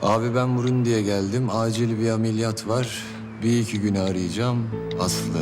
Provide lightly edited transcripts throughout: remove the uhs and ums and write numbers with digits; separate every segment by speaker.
Speaker 1: Abi ben Burundi'ye geldim. Acil bir ameliyat var. Bir iki güne arayacağım. Aslı.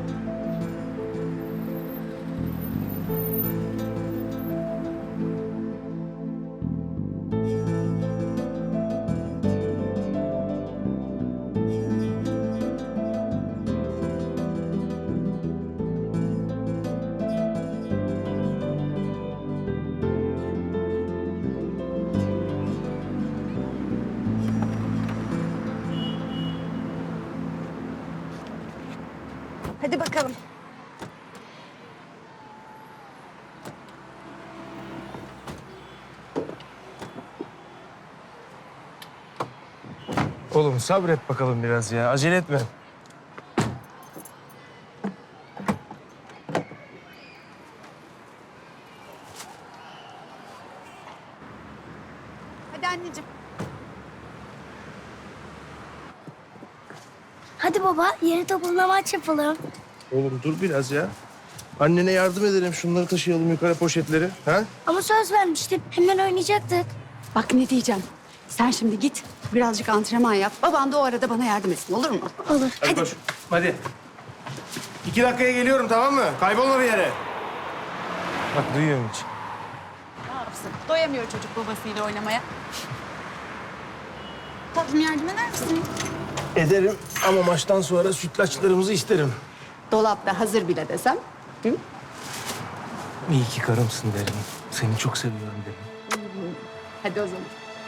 Speaker 2: Hadi bakalım.
Speaker 3: Oğlum sabret bakalım biraz ya. Acele etme.
Speaker 2: Hadi anneciğim.
Speaker 4: Hadi baba, yeni topumla maç yapalım.
Speaker 3: Oğlum dur biraz ya. Annene yardım edelim. Şunları taşıyalım yukarı poşetleri. Ha?
Speaker 4: Ama söz vermiştim, hemen oynayacaktık.
Speaker 5: Bak ne diyeceğim. Sen şimdi git birazcık antrenman yap. Baban da o arada bana yardım etsin, olur mu?
Speaker 4: Olur.
Speaker 3: Hadi koş. Hadi. 2 dakikaya geliyorum, tamam mı? Kaybolma bir yere. Bak duyuyorum hiç.
Speaker 5: Ne yapsın? Doyamıyor çocuk babasıyla oynamaya. Tatlım yardım eder misin?
Speaker 3: Ederim ama maçtan sonra sütlaçlarımızı isterim.
Speaker 5: Dolapta hazır bile desem. Hı?
Speaker 3: İyi ki karımsın derim. Seni çok seviyorum derim.
Speaker 5: Hadi o zaman.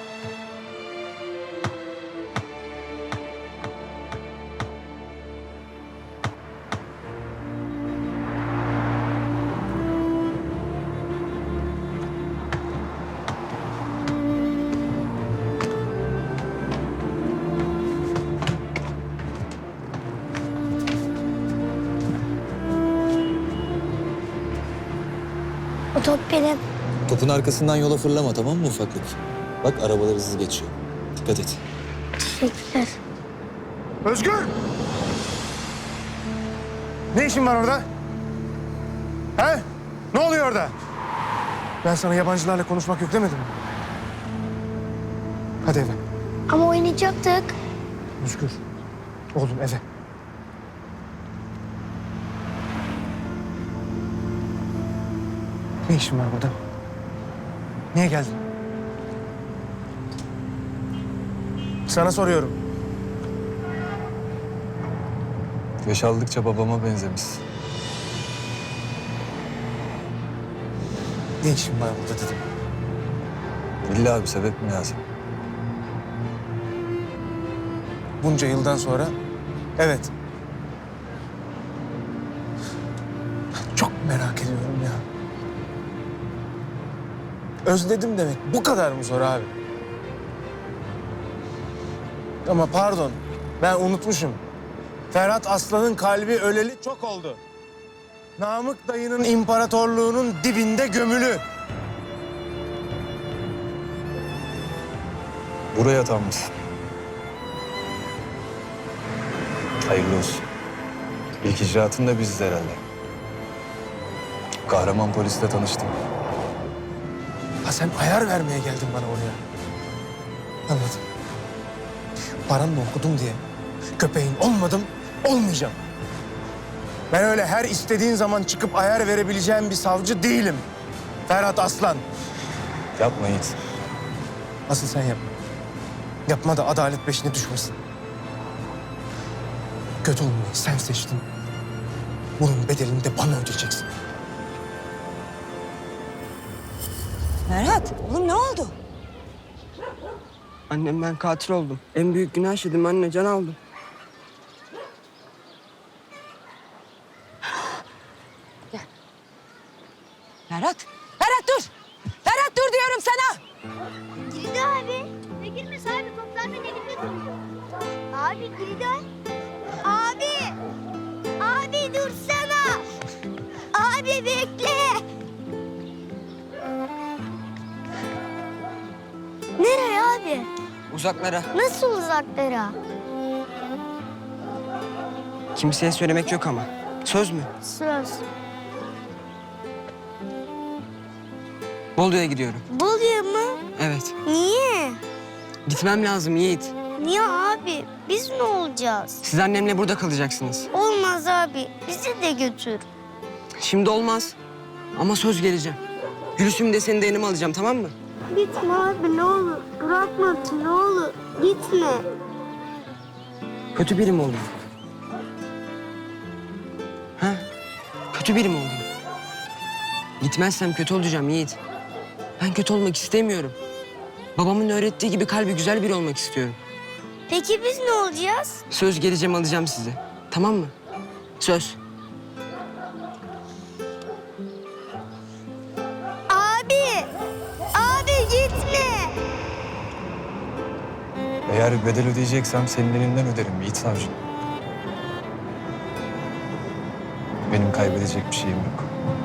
Speaker 4: O top benim.
Speaker 1: Topun arkasından yola fırlama, tamam mı ufaklık? Bak arabalar hızlı geçiyor. Dikkat et.
Speaker 4: Teşekkürler.
Speaker 3: Özgür! Ne işin var orada? He? Ne oluyor orada? Ben sana yabancılarla konuşmak yok demedim mi? Hadi eve.
Speaker 4: Ama oynayacaktık.
Speaker 3: Özgür. Oğlum eve. Ne işin var burada? Niye geldin? Sana soruyorum.
Speaker 1: Yaş aldıkça babama benzemişsin.
Speaker 3: Ne işin var burada dedim.
Speaker 1: İlla bir sebep mi lazım?
Speaker 3: Bunca yıldan sonra evet. Çok merak ediyorum ya. Özledim demek bu kadar mı zor abi? Ama pardon, ben unutmuşum. Ferhat Aslan'ın kalbi öleli çok oldu. Namık dayının imparatorluğunun dibinde gömülü.
Speaker 1: Buraya atanmışsın. Hayırlı olsun. İlk icraatın da biziz herhalde. Kahraman polisle tanıştım.
Speaker 3: Ha sen ayar vermeye geldin bana oraya. Anladım. Paranla okudum diye köpeğin olmadım, olmayacağım. Ben öyle her istediğin zaman çıkıp ayar verebileceğim bir savcı değilim. Ferhat Aslan.
Speaker 1: Yapma Yiğit.
Speaker 3: Asıl sen yapma. Yapma da adalet peşine düşmesin. Kötü olmayı sen seçtin. Bunun bedelini de bana ödeyeceksin.
Speaker 6: Ferhat, oğlum ne oldu?
Speaker 7: Annem ben katil oldum. En büyük günah işledim anne, can aldım.
Speaker 6: Ferhat, Ferhat dur! Ferhat dur diyorum sana!
Speaker 4: Kilidi abi. Ne girmesi abi? Toplar beni gidiyordu. Abi kilidi abi. Abi dursana. Abi bekle. Nereye abi?
Speaker 7: Uzaklara.
Speaker 4: Nasıl uzaklara?
Speaker 7: Kimseye söylemek yok ama. Söz mü?
Speaker 4: Söz.
Speaker 7: Bolu'ya gidiyorum.
Speaker 4: Bolu'ya mı?
Speaker 7: Evet.
Speaker 4: Niye?
Speaker 7: Gitmem lazım Yiğit.
Speaker 4: Niye abi? Biz ne olacağız?
Speaker 7: Siz annemle burada kalacaksınız.
Speaker 4: Olmaz abi. Bizi de götür.
Speaker 7: Şimdi olmaz. Ama söz geleceğim. Gülüşümü de seni de yanıma alacağım, tamam mı?
Speaker 4: Gitme abi ne olur. Bırakma ne olur. Gitme.
Speaker 7: Kötü biri mi olayım? Ha? Kötü biri mi olayım? Gitmezsem kötü olacağım Yiğit. Ben kötü olmak istemiyorum. Babamın öğrettiği gibi kalbi güzel biri olmak istiyorum.
Speaker 4: Peki biz ne olacağız?
Speaker 7: Söz geleceğim, alacağım sizi. Tamam mı? Söz.
Speaker 4: Abi! Abi gitme!
Speaker 1: Eğer bedel ödeyeceksem senin elinden öderim Yiğit Savcı. Benim kaybedecek bir şeyim yok.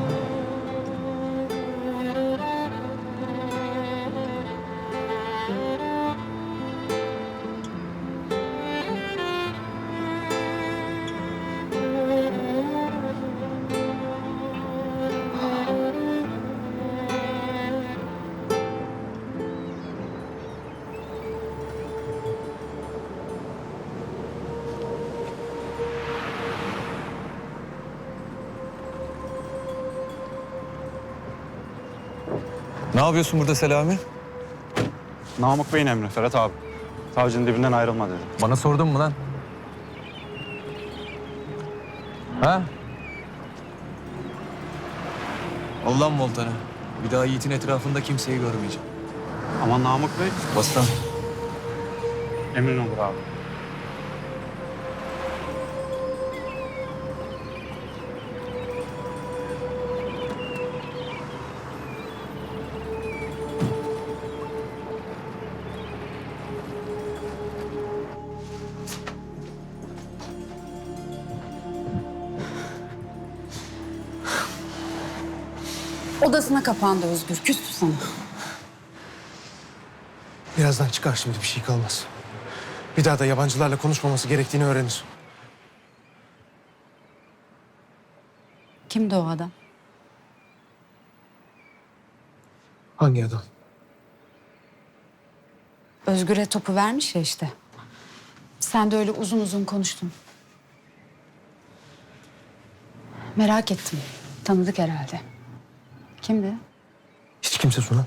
Speaker 1: Ne yapıyorsun burada Selami?
Speaker 2: Namık Bey'in emri Ferhat abi. Savcının dibinden ayrılma dedi.
Speaker 1: Bana sordun mu lan? Ha? Allah'ım voltanı. Bir daha Yiğit'in etrafında kimseyi görmeyeceğim.
Speaker 2: Aman Namık Bey,
Speaker 1: Bastan.
Speaker 2: emrin olur abi.
Speaker 5: Odasına kapandı Özgür. Küstü sana.
Speaker 3: Birazdan çıkar şimdi bir şey kalmaz. Bir daha da yabancılarla konuşmaması gerektiğini öğrenir.
Speaker 5: Kimdi o adam?
Speaker 3: Hangi adam?
Speaker 5: Özgür'e topu vermiş ya işte. Sen de öyle uzun uzun konuştun. Merak ettim. Tanıdık herhalde. Kimdi?
Speaker 3: Hiç kimse Suna.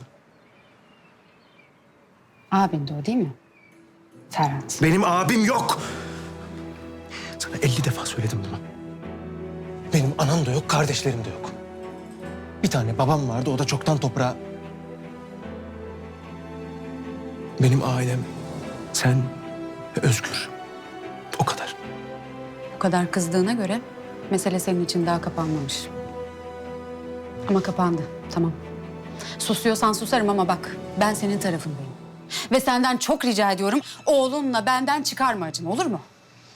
Speaker 5: Abin de o değil mi? Ferhat.
Speaker 3: Benim abim yok. Sana 50 defa söyledim bunu. Benim anam da yok, kardeşlerim de yok. Bir tane babam vardı, o da çoktan toprağa... Benim ailem, sen ve Özgür. O kadar.
Speaker 5: Bu kadar kızdığına göre mesele senin için daha kapanmamış. Ama kapandı, tamam. Susuyorsan susarım ama bak, ben senin tarafındayım. Ve senden çok rica ediyorum, oğlunla benden çıkarma acını, olur mu?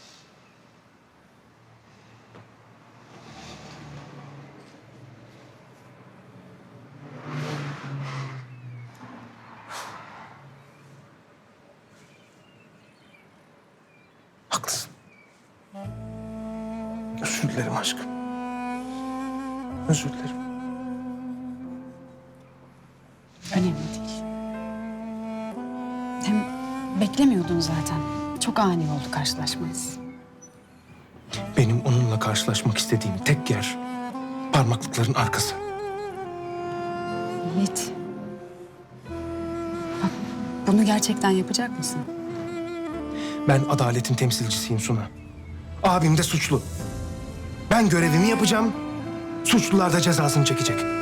Speaker 3: Haklısın. Özür dilerim aşkım. Özür dilerim.
Speaker 5: Önemli değil. Hem beklemiyordun zaten. Çok ani oldu karşılaşmanız.
Speaker 3: Benim onunla karşılaşmak istediğim tek yer parmaklıkların arkası.
Speaker 5: Yiğit. Bak, bunu gerçekten yapacak mısın?
Speaker 3: Ben adaletin temsilcisiyim Suna. Abim de suçlu. Ben görevimi yapacağım, suçlular da cezasını çekecek.